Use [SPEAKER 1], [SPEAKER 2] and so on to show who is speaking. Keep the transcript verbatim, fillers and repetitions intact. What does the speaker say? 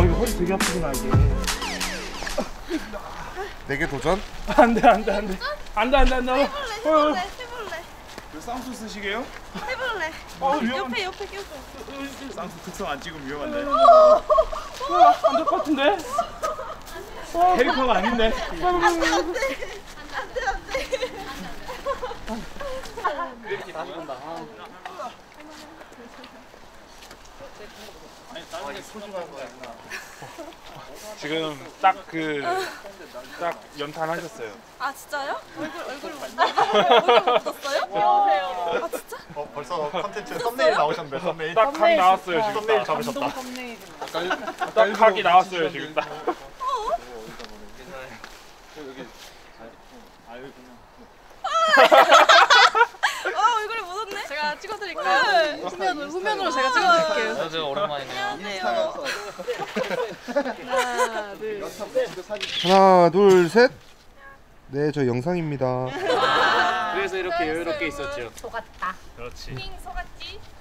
[SPEAKER 1] 이거 허리 되게 아프구나 이게.
[SPEAKER 2] 내게 도전?
[SPEAKER 1] 안돼 안돼 안돼 안돼 안돼 안돼.
[SPEAKER 3] 해볼래 해볼래 해볼래.
[SPEAKER 4] 그 쌍수 쓰시게요?
[SPEAKER 3] 해볼래.
[SPEAKER 1] 어 위험.
[SPEAKER 3] 옆에 옆에 껴줘.
[SPEAKER 4] 쌍수 특성 안 찍으면 위험한데.
[SPEAKER 1] 안될 것 같은데. 캐릭터가 아닌데.
[SPEAKER 3] 안돼 안돼 안돼 안돼.
[SPEAKER 5] 이렇게 다시 본다.
[SPEAKER 1] 지금 딱 그 딱 연탄하셨어요.
[SPEAKER 3] 아 진짜요? 얼굴 얼굴 얼굴 묻었어요? 귀여우세요. 아 진짜?
[SPEAKER 2] 어 벌써 컨텐츠 썸네일 나오셨네. 썸네일.
[SPEAKER 1] 딱 각 나왔어요 지금.
[SPEAKER 2] 썸네일 잡으셨다.
[SPEAKER 1] 딱 각이 나왔어요 지금 딱.
[SPEAKER 3] 아 얼굴이 묻었네.
[SPEAKER 6] 제가 찍어드릴까요? 후면으로, 후면으로 제가 찍어드릴게요.
[SPEAKER 5] 안녕하세요. 오랜만이네요.
[SPEAKER 3] 안녕하세요.
[SPEAKER 6] 하나, 둘,
[SPEAKER 2] 하나 둘 셋. 네, 저 영상입니다.
[SPEAKER 5] 그래서 이렇게 여유롭게 있었죠.
[SPEAKER 6] 속았다.
[SPEAKER 1] 그렇지.
[SPEAKER 3] 핑 속았지?